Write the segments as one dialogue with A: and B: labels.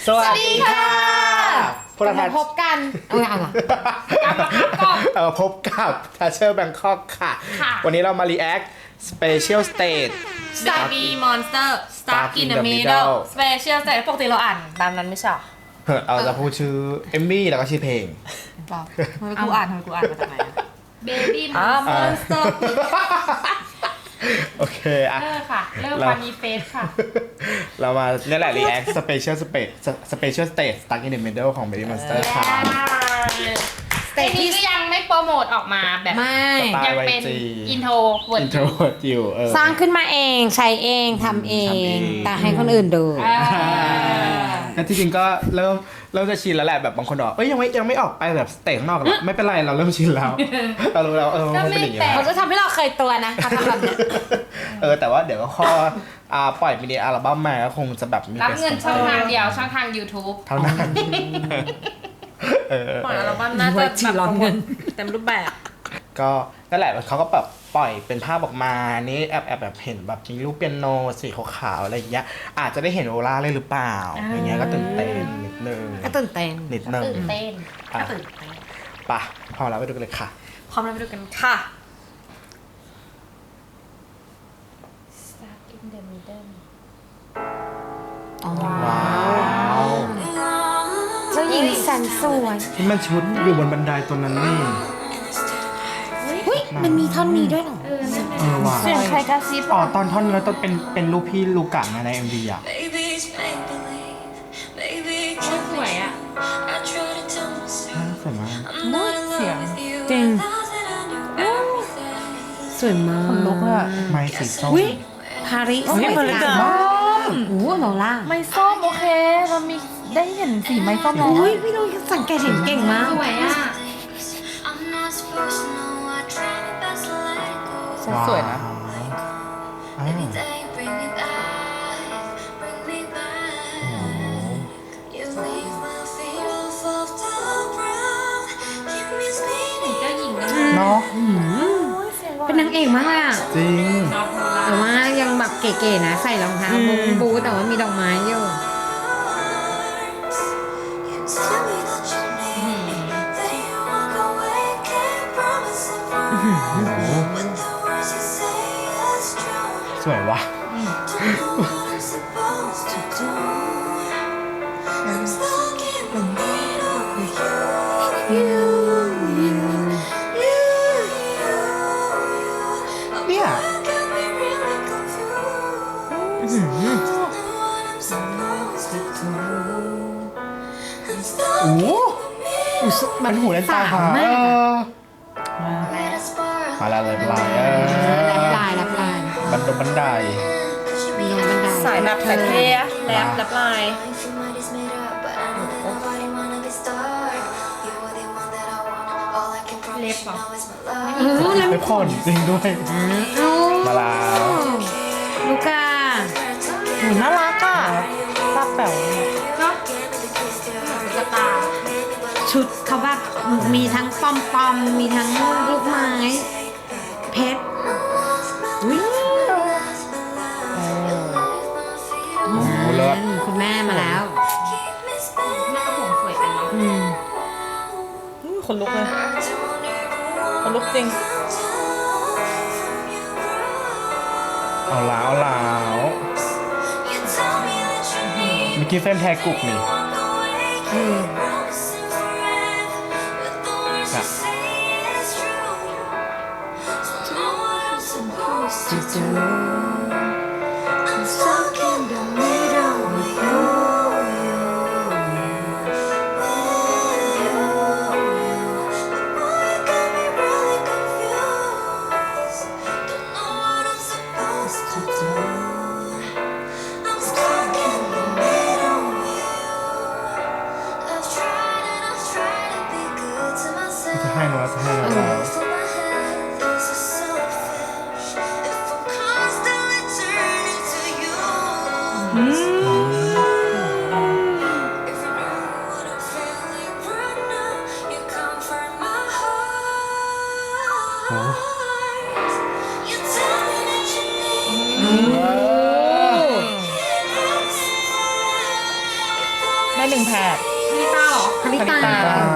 A: สวัสดีค่ะ
B: พวกเรา
A: พบกันเอาล่ะ
B: พบกับทัชเชอร์แบงคอกค่ะ วันนี้เรามา react special stage
C: Baby Monster Stuck in the Middle Special Stage ปกติเราอ่านตามนั้นไม่ใช่หรอ
B: เราจะพูดชื่อเอมมี่แล้วก็ชื่อเพลง
C: ทำไมกูอ่านมาจากไหน
A: Baby
C: Monster
B: โอเคอ่ะ
C: ค่ะเริ่มฟันนีเฟสค่ะ
B: เรามาเนี่ยแหละ react special stage stuck in the middle ของ Baby Monster ค่ะ
C: สเตจนี้ก็ยังไม่โปรโมทออกมาแบบ
A: ไม่
C: ยังเป็นอินโทรเวิร์ด
B: intro อยู่
A: สร้างขึ้นมาเองใช้เองทำเอง แต่ให้คนอื่นดู
B: ก็ที่จริงก็เริ่มจะชินแล้วแหละแบบบางคนบอกยังไม่ออกไปแบบสเตจข้างนอกหรอกไม่เป็นไรเราเริ่มชินแล้วเรารู้แล้วมันเป็นอย่างนี้
A: เขาจะทำให้เราเคยตัวนะเขาทำแบบเนี้ย
B: แต่ว่าเดี๋ยวก็ข้อปล่อยมินิอัลบั้มมาก็คงจะแบบมี
C: รับเงินช่องทางเดียวช่องทาง YouTube
B: เท่านั้น
C: ปล่อยอัลบั้มน่าจะแบบเต็มรูปแบบ
B: ก็นั่นแหละเขาก็แบบปล่อยเป็นภาพออกมานี่แบบเห็นแบบมีรูปเปียโนสีขาวๆอะไรอย่างเงี้ยอาจจะได้เห็นโอล่าเลยหรือเปล่าอย่างเงี้ยก็ตื่นเต้นนิดนึง
A: ก็ตื่นเต้น
B: นิดนึง
C: ตื่นเต้น
B: อ่ะ
C: ก็ตื่นเต้น
B: ไปพอแล้วไปดูกันเลยค่ะ
C: พร้อมแล้วไปดูกันค่ะ Stuck in the Middle
B: ว้าว
A: เจ้าหญิงแสนสวย
B: ที่มันชุดอยู่บนบันไดตัวนั้นนี่
A: เฮ้ยมันมีท่อนนี้ด้วยเหรอ
B: ว่ะ
C: เสียงใครกระซิบ
B: อ๋อตอนท่อนแล้วต้องเป็นรูปพี่ลูกะใน MV อ่ะ
C: สวยอ่ะ
B: สวยมาก
C: เสียง
A: จริงสวยมาก
C: คนลุกอะ
B: ไม้สีส้ม
A: อุ้ยพาริสสวย
C: เหมือน
A: จั
C: กั
A: ง
C: น
A: โอ้โหโลล่า
C: ไม่ส้มโอเคเรามีได้เห็นสีไม้ส้มแล้ว
A: อุ้ยพี่น้องสังเกตเห็นเก่งมาก
C: สวยอ่ะ สวยนะ
B: อ้าวเนาะ
A: เป็นนางเอกมากอะ
B: จริง
A: แต่ว่ายังแบบเก๋ๆนะใส่รองเท้าบูทแต่ว่ามีดอกไม้อยู่
B: สวยว่ะเนี่ยโอ้โหมันหูเล่นตาหามาแล้วเลยปลาย
A: รับลาย
B: บันได
A: มีลงบันได
C: สายแบบแต่เท่แรปลาย เล็บเหรอ
A: แล้ว
B: ไม่ผ่อนจริงด้วย มาแล้ว
A: ลูกา
C: น่ารักอ่ะตาแป๋ว
A: ก็
C: กระตา
A: ชุดเขาแบบมีทั้งปอมมีทั้งลูกไม้เพชรอุ้ย
B: โอ้โหเลิศ
A: คุณแม่มาแล้ว
C: หน้าผมสวยจังเนาะคนลุกเลยคนลุกจริง
B: เอาแล้วเมื่อกี้เฟรมแทกุกนี่อ่ะ จะให้เราแล้ว
C: ได้1แพทพี่ต้าเหรอ
A: คาริตา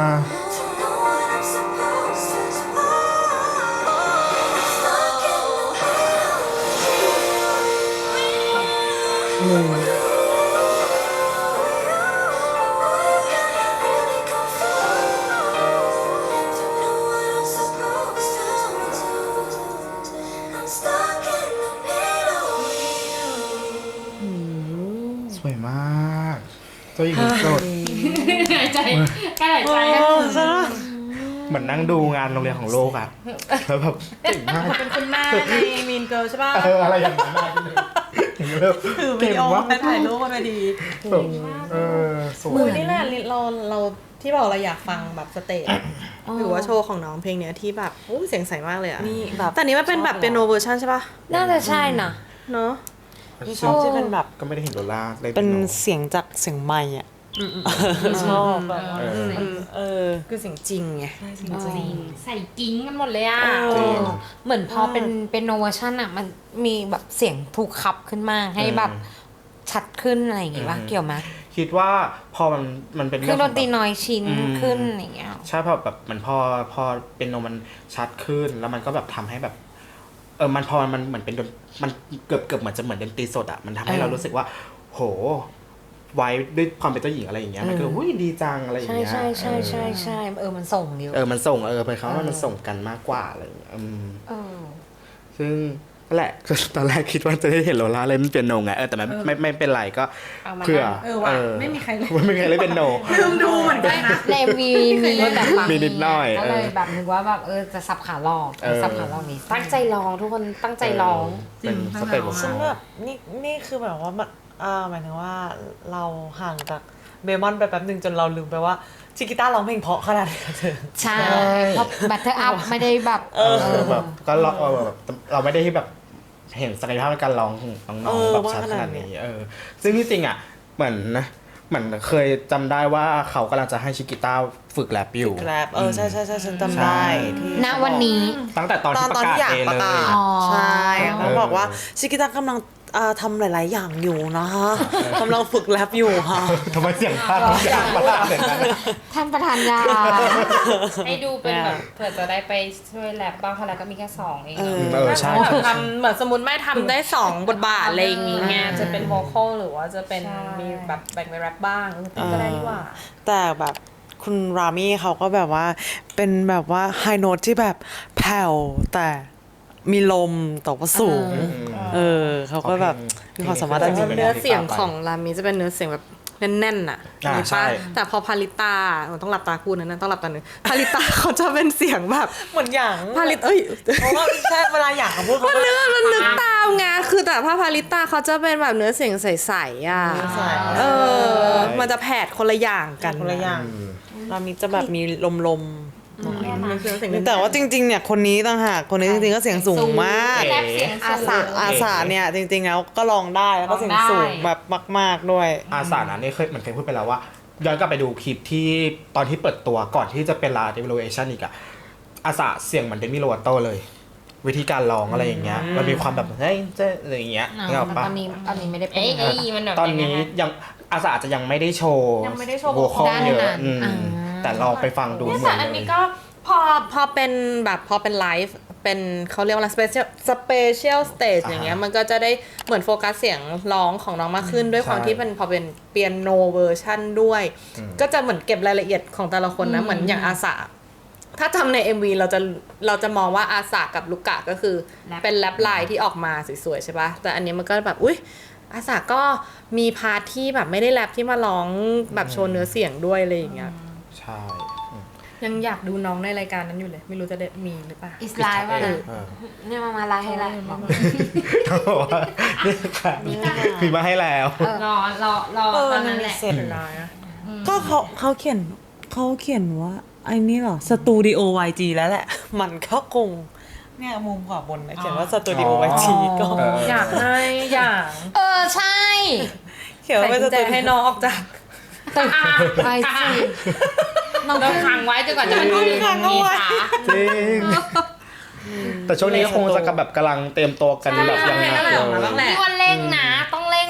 B: สวยมากตัวหญิงสด
C: หายใจกล้าหายใจ
B: เหมือนนั่งดูงานโรงเรียนของโลกอะแล้วแบบเก่งมาก
C: เป็นคุณแม่ในมีนเกิร์ลใช่ป่ะ
B: อะไรอย่างนั้นอะอย่างเงี้ยแบบ
C: ถือวิ
B: เก่ง
C: ดีโอ
B: มาก
C: ไปถ่ายรูปมาไปดี
B: แบบสว
C: มือย นี่แหละเราที่บอกเราอยากฟังแบบสเตจหรือว่าโชว์ของน้องเพลงเนี้ยที่แบบอู้เสียงใสมากเลยอ่ะ
D: นี่แบบ
C: แต่นี้มันเป็นแบบเป็นโนเวอร์ชันใช่ป่ะ
A: น่าจะใช่นะ
C: เนาะ
D: ชอบที่เป็นแบบ
B: ก็ไม่ได้เห็นโดล่าเลย
D: เป็นเสียงจากเสียงไมค์อ่ะชอบแบบว่าคือเสียงจริงไง
C: จริงใส่กิ้งกันหมดเลยอ่ะ
B: จริง
A: เหมือนพอเป็นโนเวอร์ชันอะมันมีแบบเสียงถูกขับขึ้นมาให้แบบชัดขึ้นอะไรอย่างงี้ป่ะเกี่ยวไหม
B: คิดว่าพอมันเป็น
A: คื
B: เรื่
A: อ
B: อง
A: ด
B: ขอน ง
A: ตรี
B: แบบ
A: น้อยชิ้นขึ้นอย่างเงี้ย
B: ใช่พอแบบมันพอเป็นโนมันชัดขึ้นแล้วมันก็แบบทำให้แบบมันพอมันเหมือนเป็นมันเกือบเหมือนจะเหมือนดนตรีสดอะมันทำให้เรารู้สึกว่า โหไว้ด้วยความเป็นเจ้าหญิงอะไรอย่างเงี้ยมันก็อุ้ยดีจังอะไรอย่าง
A: ใช่
B: เงี้ย
A: ใช่ใช่ใช่ใช่มันส่งอยู่
B: มันส่งไปเขาว่ามันส่งกันมากกว่าอะไรอย่างเงี้ย
A: เออ
B: ซึ่งนั่นแหละ ก็ตอนแรกคิดว่าจะได้เห็นโลล่าเล่นเปียโนไงแต่ไม่เป็นไรก็เผื่อ
C: ว่ะไม่มีใครเลย
B: ไม่มีใครเล่นเปียโน
C: ลืมดูเหมือนกันนะ
A: ในมีแบบฟัง
B: มีนิดหน่อย
A: ก็เลยแบบนึกว่าแบบจะสับขาหลอกสับขาหลอกนี้ตั้งใจร้องทุกคนตั้งใจร้อง
B: เป็นสเต็ปของ
D: ซึ่ง
B: เขา
D: แบบนี่คือแบบว่ามันหมายถึงว่าเราห่างจากเบมอนไปแป๊บหนึ่งจนเราลืมไปว่าชิกิต้าร้องเพลงเพราะขนาดนี้เธอ
A: ใช่เพราะบัตเตอร์อัพไม่ได้แบบ
B: แบบก็แบบเราไม่ได้แบบเห็นศักยภาพในการร้องของน้องๆแบบชัดขนาดนี้ซึ่งที่จริงอ่ะเหมือนเคยจำได้ว่าเขากำลังจะให้ชิกิต้าฝึกแรปอยู่
D: แรปใช่ฉันจำได้ที่
A: ณวันนี้
B: ตั้งแต่ตอนที่ประกาศ
D: อยาก
B: เอง
D: ประ
B: เล
D: กาย ศ
A: อ๋อ
D: ใช่เขาบอกว่าชิกิต้ากำลังทำหลาย ๆ อย่างอยู่นะคะกำลังฝึกแรปอยู่ค่ะ
B: ทำไมเสียงพลาดมาลาดเลยนะ
A: ท่านประธานยา
C: ให้ดูเป็นแบบเผื่อจะได้ไปช่วยแรปบ้างเพราะแล้วก็มีแค่2เอง
B: ใช่
C: ทำเหมือนสมมติไม่ทำได้2บทบาทอะไรอย่างเงี้ยจะเป็นโวคอลหรือว่าจะเป็นมีแบบแบ่งไปแรปบ้างก็ได้ดีกว่า
D: แต่แบบคุณรามี่เขาก็แบบว่าเป็นแบบว่าไฮโน้ตที่แบบแผ่วแต่มีลมแต่ว่าสูงเขาก็แบบมีความสามารถ
C: แต่
D: จริง
C: เนื้อเสียงของรามีจะเป็นเนื้อเสียงแบบแน่นๆน่ะ
B: ใช่
C: แต่พอพาริตาต้องหลับตาพูดนะต้องหลับตาหนึ่งพาริตาเขาจะเป็นเสียงแบบ
D: เหมือนอย่าง
C: พาริตเอ้ย
D: เพราะว่าแค่เวลาอยากเขาพูดเขาก็
C: มันนึกตามไงคือแต่พาริตาเขาจะเป็นแบบเนื้อเสียงใสๆอ่ะมันจะแผดคนละอย่างกัน
D: คนละอย่างรามี่จะแบบมีลม
C: ๆ
D: แต่ว่าจริง ๆ เนี่ยคนนี้ต่างหากคนนี้จริง ๆ ก็เสียงสูงมาก
C: แรปเสียงสูง
D: อาสาเนี่ยจริง ๆ แล้วก็ร้องได้แล้วก็เสียงสูงแบบมาก ๆ ด้วย
B: อาสานะนี่เคยพูดไปแล้วว่าย้อนกลับไปดูคลิปที่ตอนที่เปิดตัวก่อนที่จะเป็นลาเดวิลูเอชันอีกอะอาสาเสียงเหมือนเดมิโลวัตโตเลย วิธีการร้องอะไรอย่างเงี้ยมันมีความแบบเฮ้ยเจ๊อะไรอย่างเงี้ยนึกออกปะ
A: ตอนนี้ไม่ได้เป็น
C: มันแบบ
B: ตอนนี้ยังอาสาอาจจะยังไม่ได้โชว์
C: ยังไม่ได้โชว์
B: โวคอล
A: ด้าน
B: เยอะ
A: นั้น
B: แต่ลองไปฟังดู
C: เนี่ย
B: เหมื
C: แต่
B: อน
C: อัน
B: เล
C: นี้
B: ย
C: ก็พอเป็นแบบพอเป็นไลฟ์เป็นเขาเรียกว่าอะไร special stage อย่างเงี้ยมันก็จะได้เหมือนโฟกัสเสียงร้องของน้องมากขึ้นด้วยความที่มันพอเป็นเปียโนเวอร์ชันด้วย ก็จะเหมือนเก็บรายละเอียดของแต่ละคนนะเหมือนอย่างอาสาถ้าทำใน MV เราจะมองว่าอาสากับลูกะก็คือเป็นแรปไลน์ที่ออกมาสวยๆใช่ปะแต่อันนี้มันก็แบบอุ๊ยอาสาก็มีพาร์ทที่แบบไม่ได้แรปที่มาร้องแบบโชว์เนื้อเสียงด้วยอะไรอย่างเงี้ย
B: ใช่
C: ยังอยากดูน้องในรายการนั้นอยู่เลย ไม่รู้จะได้มีหรือเปล่า
A: อิสไลน์ว่าเนี่ยมาไลน์ให้แล้ว
B: เขาบอกว่านี่ค่ะมีมาให้แล้ว
C: รอตอนนั้นแหละ
D: เสร็จก็เขาเขียนว่าไอ้นี่เหรอสตูดิโอ YG แล้วแหละ มันก็คงเนี่ยมุมขวาบนนะเขียนว่าสตูดิโอ YG ก็
C: อยากให้อย่าง
A: ใช่
D: เขียนว่าเป็นสตูดิโอ
C: ให้น้องออกจาก
A: ตึกไปสิน้อง
C: เราขังไว้จนกว่าจะมันมีขา
B: จริง แต่ช่วงนี้ก็คงจะกำลังเตรียมตัวกันแบบยังหนักเลย
C: ต้องแหละ
A: พี่ว่าเร่งนะต้องเร่งทำเพราะ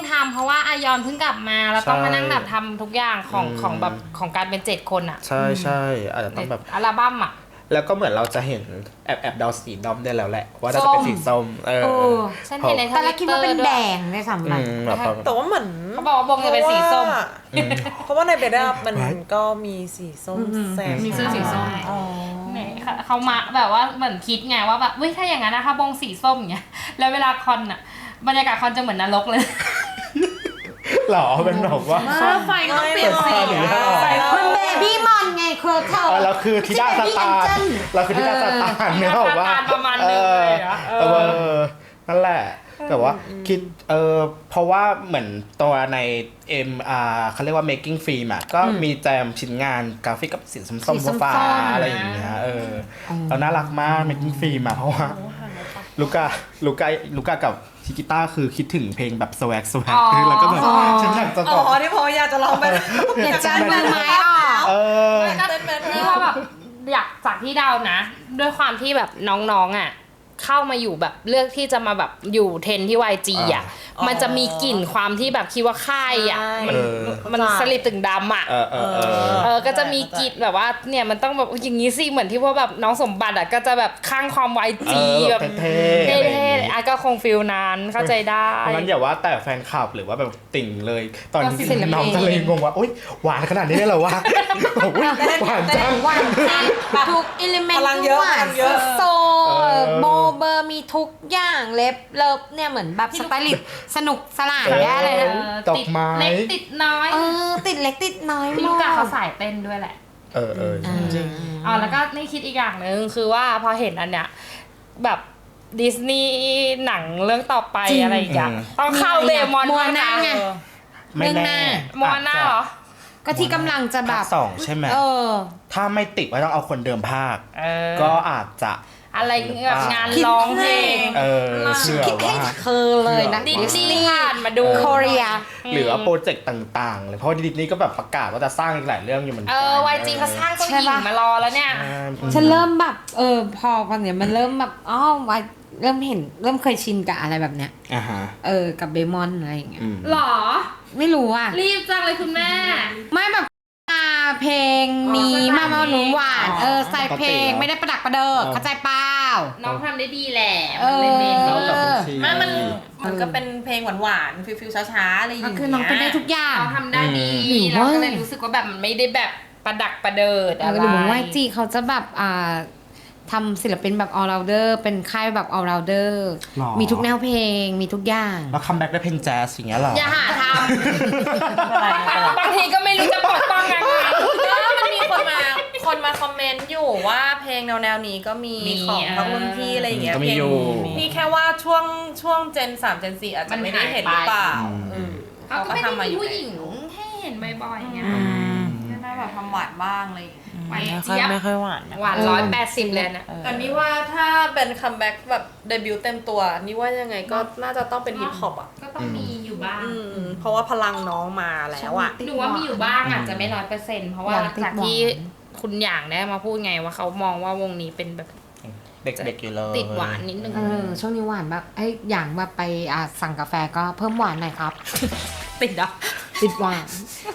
E: ะว่าอายอนเพิ่งกลับมาแล้วต้องมานั่งแบบทำทุกอย่างของ
B: อืม
E: ของแบบของการเป็น7 คนอะ
B: ใช่ใช่อาจจะต้องแบบ
E: อัลบั้มอะ
B: แล้วก็เหมือนเราจะเห็นแอบเดาสีดอมได้แล้วแหละ ว่าน่าจะเป็นสีส้ม
E: ฉันเห็นใน
A: แต่ละคิดว่าเป็นแดงในสาม
B: อื
A: บัน
B: มแบบ
D: แต่ว่าเหมือน
E: เขาบอกว่าบงจะเป็นสีส้ม
D: เพราะว่าในเบด้ามันก็มีสีส้มแซม
E: มีเสื้อสีส้ม
D: อ๋อ
E: เนี่ยเขามาแบบว่าเหมือนคิดไงว่าแบบเว้ยถ้าอย่างนั้นนะคะบงสีส้มอย่างเงี้ยแล้วเวลาคอนอะบรรยากาศคอนจะเหมือนนรกเลย
B: หรอเป็นแบบว่า
C: ไฟก็ต้องเปลี่ยนสี
B: เปิดไฟหรือว่า
A: มันเบบี้มอนไงเคอร์เทล
B: เราคือทิดาสตาร์เราคือทิดาสตาร์เนี่ยบอกว่า
E: ประมาณนึงเลยอะ
B: นั่นแหละแต่ว่าคิดเพราะว่าเหมือนตัวในเขาเรียกว่า making film อ่ะก็มีแจมชิ้นงานกราฟิกกับสีส้มๆฟ้าๆอะไรอย่างเงี้ยเราน่ารักมาก making film อ่ะเพราะว่าลูก้ากับชิกิต้าคือคิดถึงเพลงแบบสวักแล้วก็แบบฉันอยากจะ
D: อ๋
B: บอก
D: อที่พออยากจะลองไป
A: เด็ดจันมือไม้ออก
E: นี่ว่าแบบอยากจากที่เดานะ ด้วยความที่แบบน้องๆอ่ะเข้ามาอยู่แบบเลือกที่จะมาแบบอยู่เทรนที่ YG อ่ะมันจะมีกลิ่นความที่แบบคิดว่าค่ายอ่ะมันสลิปตึงดำอ่ะก็จะมีกลิ่นแบบว่าเนี่ยมันต้องแบบอย่างนี้สิเหมือนที่ว่าแบบน้องสมบัติอ่ะก็จะแบบข้างความ YG แบบเท่ๆอ่ะก็คงฟิลนั้นเข้าใจได้
B: เพราะงั้นอย่าว่าแต่แฟนคลับหรือว่าแบบติ่งเลย ตอนนี้น้องจะเลยงงว่าโอ๊ยหวานขนาดนี้เลยเหรอวะหวานจัง
A: วันทุกอิเลเมนต์
D: พลังเยอะพลังเยอะ
A: โซโบเบอร์มีทุกอย่างเล็บเลิฟเนี่ยเหมือนแบบสไตลิสต์สนุกสนานแย่เลยนะ
B: ดอกไม้
E: เล็กติดน้อย
A: ติดเล็กติดน้อย
E: พี่
A: มา
E: ลูกกาเขา
A: ก
E: สายเต้นด้วยแหละ
B: จริง
E: แล้วก็นี่คิดอีกอย่างหนึ่งคือว่าพอเห็นอันเนี้ยแบบดิสนีย์หนังเรื่องต่อไปอะไรอีกอะต้องเข้าเดมอน
A: มัวหน้าไง
B: ไม่แน่
E: มอน่าเหรอ
A: ก็ที่กำลังจะแบ
B: ภา
A: บ
B: คสองใช่ไหม ถ้าไม่ติดว่าต้องเอาคนเดิมภาค ก็อาจจะ
E: อะไรแบบงานร้องเพลง
B: เชื่อ
A: คิดให้
B: ว่า
A: เธอเลยนะ
E: ดิสนีย์ผ่านมาดู
A: โคเรีย
B: หรือว่าโปรเจกต์ต่างๆเลยเพราะดิสนีย์ก็แบบประกาศว่าจะสร้างอีกหลายเรื่องอยู่เหมือนกัน
E: YG เขาสร้างเจ้าหญิงมารอแล้วเนี่ย
A: ฉันเริ่มแบบพอกันเนี่ยมันเริ่มแบบเริ่มเห็นเริ่มเคยชินกับอะไรแบบเนี้ย
B: อ่าฮะ
A: กับเบมอนอะไรอย่างเงี้ย
E: หรอ
A: ไม่รู้อ่ะ
E: รีบจังเลยคุณแม่
A: ไม่แบบเพลงมีมาหนูหวานใส่เพลงไม่ได้ประดักประเดิกเข้าใจเปล่า
E: น้องทำได้ดีแหละ
A: เออ
E: มันเลยเบน
B: แล้วกับ
C: มันก็เป็นเพลงหวานๆฟิลๆช้าๆอะไรอย่าง
A: ก็
C: เงี้ย
A: คือน้องเป็นได้ทุกอย่าง
E: เขาทำได้ดี
A: หรือ
E: เรา
A: ว่า
E: ก็เลยรู้สึกว่าแบบมันไม่ได้แบบประดักประเดิดอะไร
A: หรือว่า YG เขาจะแบบทำศิลปินแบบ all rounder เป็นค่ายแบบ all rounder
B: หรอ
A: มีทุกแนวเพลงมีทุกอย่าง
B: แล้วคัมแบ็กได้เพลงแจ๊สอย่างเงี้ยหรอ
E: อย่าหาทำบางทีก็ไม่รู้จะปกป้องยังไง
C: ก็มันมีคนมาคอมเมนต์อยู่ว่าเพลงแนวๆนี้ก็มีของทั้งรุ่นพี่อะไรอย่างเงี้ย
B: ก็มี
C: เพลง
B: อยู่
C: นี่แค่ว่าช่วงเจน3เจน4อาจจะไม่ได้เห็นหรือเปล่า
E: เขาก็ไม่ได้มีผู้หญิงให้เห็นบ่อยๆไง
C: ก็ได้แบบทำหวานบ้างอะไรอย่างเงี้ย
E: หวาน
D: ไม่ค่อย
E: เจี๊ยบ
D: ไม่ค่อยหวานนะ
E: หวาน180เลยนะ
C: แต่นี่ว่าถ้าเป็นคัมแบ็กแบบเดบิวต์เต็มตัวนี่ว่ายังไงก็น่าจะต้องเป็นฮิปฮอปอ่ะ
E: ก็ต้องมีอยู่บ้าง
C: เพราะว่าพลังน้องมาแล้วอ่ะ
E: หนูว่ามีอยู่บ้างอาจจะไม่100%เพราะว่า
A: อย่างติด
E: จากที่คุณหยางได้มาพูดไงว่าเขามองว่าวงนี้เป็นแบบ
B: เด็กๆอยู่เลย
E: ติดหวานนิดนึง
A: ช่วงนี้หวานแบบอย่างแบบไปสั่งกาแฟก็เพิ่มหวานหน่อยครับ
E: ติดอ่ะ
A: ติดหวาน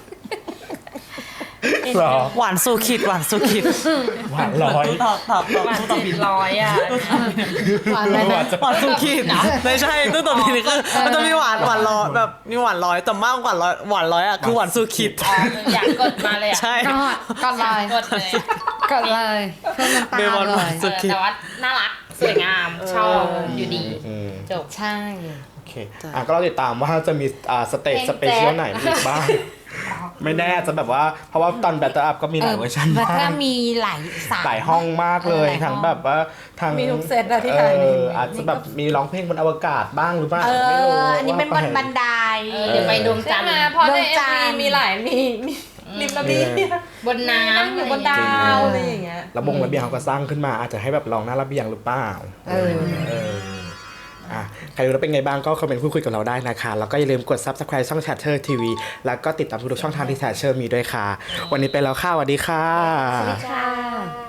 B: หรอ
D: หวานสู่ขีดหวานสู่ขีด
B: หวานร้อย
D: ตอบ
E: หวานติดร้อยอ่ะ
A: หวานเลยนะ
D: หวานสู่ขีดไม่ใช่ตู้ตัวนี้คือมันจะมีหวานร้อยแบบมีหวานร้อยแต่มากกว่าหวานร้อยอ่ะคือหวานสู่ขีด
E: อยากกดมาเลยอ่ะ
D: ใช่
A: ก็เลย
E: กดเลย
A: ก็เลยเพิ่มน้ำตา
D: เบมอน
A: เล
D: หวาน
A: ย
D: สุด
E: แต่ว่าน่ารักสวยงามชอบอยู่ดีจบ
A: ใช่
B: โอเคก็เราติดตามว่าจะมีสเตจสเปเชียลไหนอีกบ้าง ไม่แน่จะแบบว่าเพราะว่าตอน Battle Up ก็มีหลายเวอร์ชัน
A: แต่
B: มา
A: ถ้าก มีหลายสาย
B: หลายห้องมากเลย
A: หลายห้อง
B: ทั้งแบบว่าทั้ง
C: มีทุกเซตอะที่ถ่ายใน
B: อาจจะแบบมีร้องเพลงบนอวกาศบ้างหรือเปล่าไม่รู้
A: อันนี้เป็นบนบันได
E: เดี๋ยวไปดวงจั
C: ใช่
E: นท
C: ไหม
E: ร์
C: เพราะใน
A: ดวงจันทร์
C: MV มีหลายมีริมระเบียง
E: บนน้ำ
C: อยู่บนดาวอะไรอย่างเงี้ย
B: ระบงระเบียงเขาก็สร้างขึ้นมาอาจจะให้แบบลองหน้าระเบียงหรือเปล่าใครรู้แล้วเป็นไงบ้างก็คอมเมนต์พูดคุยกับเราได้นะคะแล้วก็อย่าลืมกด Subscribe ช่อง Chatter TV แล้วก็ติดตามทุกช่องทางที่ Chatter มีด้วยค่ะ วันนี้ไปแล้วค่ะสวัสดีค่ะ
A: ค่ะ